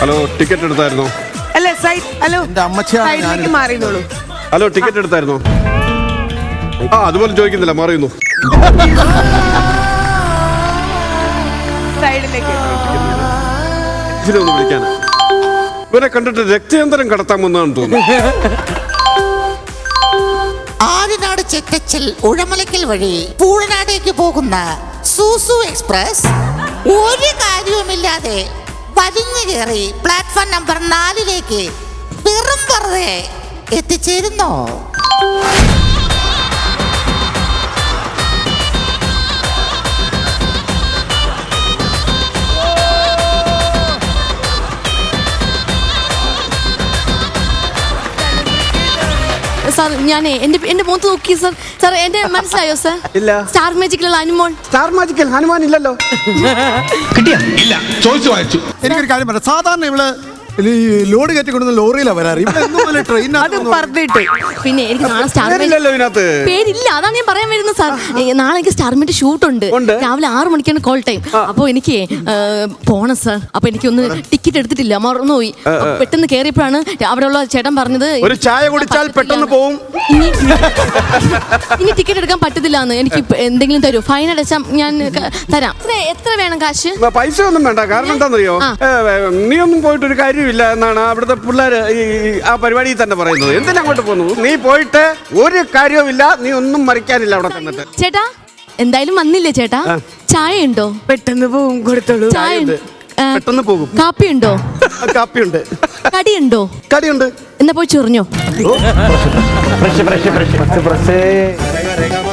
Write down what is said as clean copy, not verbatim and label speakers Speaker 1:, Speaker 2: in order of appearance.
Speaker 1: Hello, ticket എടുത്തായിരുന്നോ?
Speaker 2: അല്ല side, hello സൈഡിലേക്ക് മാറിയതോളൂ.
Speaker 1: Hello, ticket എടുത്തായിരുന്നോ? അതുപോലെ ചോദിക്കുന്നില്ല, മാറിയുന്നു.
Speaker 2: സൈഡിലേക്ക്
Speaker 1: ഒന്ന് വിളിക്കാൻ. ഇവരെ കണ്ടിട്ട് രക്തയന്തരം കടത്താമെന്നാണ് തോന്നുന്നു.
Speaker 3: ആര്യനാട് ചെറ്റച്ചൽ ഉഴമലക്കൽ വഴി പൂഴനാടേക്ക് പോകുന്ന സൂസു എക്സ്പ്രസ് ഒരു കാര്യവുമില്ലാതെ വലിഞ്ഞു കയറി പ്ലാറ്റ്ഫോം നമ്പർ 4 വെറും വെറുതെ എത്തിച്ചേരുന്നു.
Speaker 4: സാർ ഞാനേ എന്റെ മുഖത്ത് നോക്കി സാർ. സാർ എന്റെ മനസ്സിലായോ സാർ?
Speaker 1: ഇല്ല.
Speaker 4: സ്റ്റാർ മാജിക്കിലുള്ള ഹനുമാൻ.
Speaker 1: സ്റ്റാർ മാജിക്കൽ ഹനുമാൻ ഇല്ലല്ലോ.
Speaker 5: കിട്ടിയ ഇല്ല, ചോദിച്ചു വായിച്ചു.
Speaker 6: എനിക്കൊരു കാര്യം പറയാം. സാധാരണ ഇവള് ലോഡ് കയറ്റിക്കൊണ്ടുവന്ന ലോറിയിലാണ് വരാറ്.
Speaker 2: പറഞ്ഞിട്ട്
Speaker 4: പിന്നെ എനിക്ക് നാളെ സ്റ്റാർ പേരില്ല, അതാണ് ഞാൻ പറയാൻ വരുന്നത് സാർ. നാളെ എനിക്ക് സ്റ്റാർമിന്റെ ഷൂട്ട് ഉണ്ട്. രാവിലെ 6 മണിക്കാണ് കോൾ ടൈം. അപ്പൊ എനിക്ക് പോണം സാർ. അപ്പൊ എനിക്കൊന്ന് ടിക്കറ്റ് എടുത്തിട്ടില്ല, മറന്നുപോയി. പെട്ടെന്ന് കയറിയപ്പോഴാണ് അവിടെയുള്ള ചേട്ടൻ പറഞ്ഞത്
Speaker 1: ഒരു ചായ കുടിച്ചാൽ പെട്ടെന്ന് പോവും.
Speaker 4: ഇനി ടിക്കറ്റ് എടുക്കാൻ പറ്റത്തില്ല എന്ന്. എനിക്ക് എന്തെങ്കിലും തരൂ, ഫൈൻ അടച്ചാൽ ഞാൻ തരാം. എത്ര വേണം കാശ്?
Speaker 1: പൈസ ഒന്നും വേണ്ട. കാരണം എന്താണെന്നറിയോ, നീ ഒന്നും പോയിട്ട് ഒരു കാര്യമില്ല എന്നാണ് അവിടുത്തെ പിള്ളേർ ആ പരിപാടിയിൽ തന്നെ പറയുന്നത്. എന്തിനാ അങ്ങോട്ട് പോകുന്നു? നീ പോയിട്ട് ഒരു കാര്യവുമില്ല, നീ ഒന്നും മറിക്കാനില്ല അവിടെ തന്നിട്ട്.
Speaker 4: ചേട്ടാ എന്തായാലും വന്നില്ലേ ചേട്ടാ? ചായ ഉണ്ടോ?
Speaker 2: പെട്ടെന്ന് പോവും, കൊടുത്തോളൂ.
Speaker 4: ചായ
Speaker 1: പെട്ടെന്ന് പോകും.
Speaker 4: കാപ്പി ഉണ്ടോ?
Speaker 1: കാപ്പിയുണ്ട്.
Speaker 4: കടിയുണ്ടോ?
Speaker 1: കടിയുണ്ട്.
Speaker 4: എന്നാ പോയി ചൊറിഞ്ഞോ.